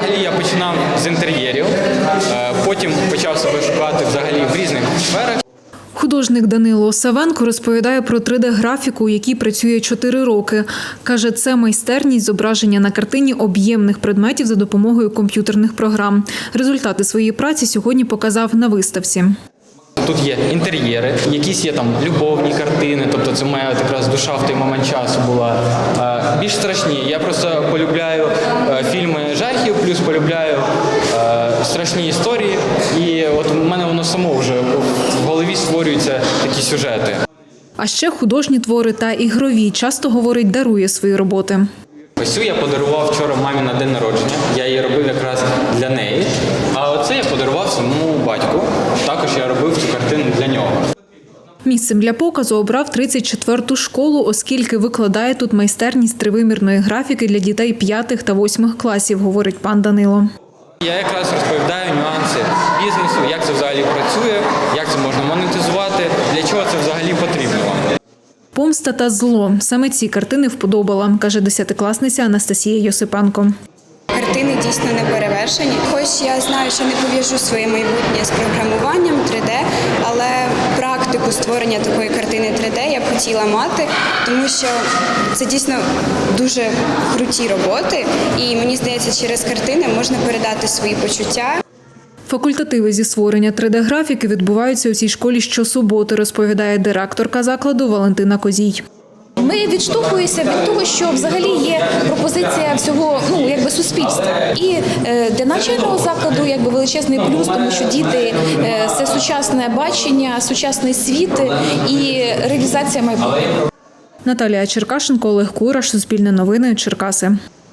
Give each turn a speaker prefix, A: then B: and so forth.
A: Взагалі я починав з інтер'єрів, потім почав себе шукати взагалі в різних сферах.
B: Художник Данило Осавенко розповідає про 3D-графіку, у якій працює 4 роки. Каже, це майстерність зображення на картині об'ємних предметів за допомогою комп'ютерних програм. Результати своєї праці сьогодні показав на виставці.
A: Тут є інтер'єри, якісь є там любовні картини, тобто це моя якраз душа в той момент часу була. Більш страшні. Я просто полюбляю фільми жахів, плюс полюбляю страшні історії. І от у мене воно само вже в голові створюються такі сюжети.
B: А ще художні твори та ігрові. Часто, говорить, дарує свої роботи.
A: Ось цю я подарував вчора мамі на день народження. Я її робив якраз для неї. А оце я подарував своєму батьку. Також я робив цю картину для нього.
B: Місцем для показу обрав 34-ту школу, оскільки викладає тут майстерність тривимірної графіки для дітей 5 та 8 класів, говорить пан Данило.
A: Я якраз розповідаю нюанси бізнесу, як це взагалі працює, як це можна монетизувати, для чого це взагалі потрібно вам.
B: «Помста та зло» – саме ці картини вподобала, каже 10-класниця Анастасія Йосипенко.
C: Картини дійсно не перевершені. Хоч я знаю, що не пов'яжу своє майбутнє з програмуванням 3D, але практику створення такої картини 3D я б хотіла мати, тому що це дійсно дуже круті роботи, і мені здається, через картини можна передати свої почуття.
B: Факультативи зі створення 3D-графіки відбуваються у цій школі щосуботи, розповідає директорка закладу Валентина Козій.
D: Ми відштовхуємося від того, що взагалі є пропозиція всього, суспільства. І для навчального закладу величезний плюс, тому що діти – це сучасне бачення, сучасний світ і реалізація майбутнього.
B: Наталія Черкашенко, Олег Кураш, Суспільне новини, Черкаси.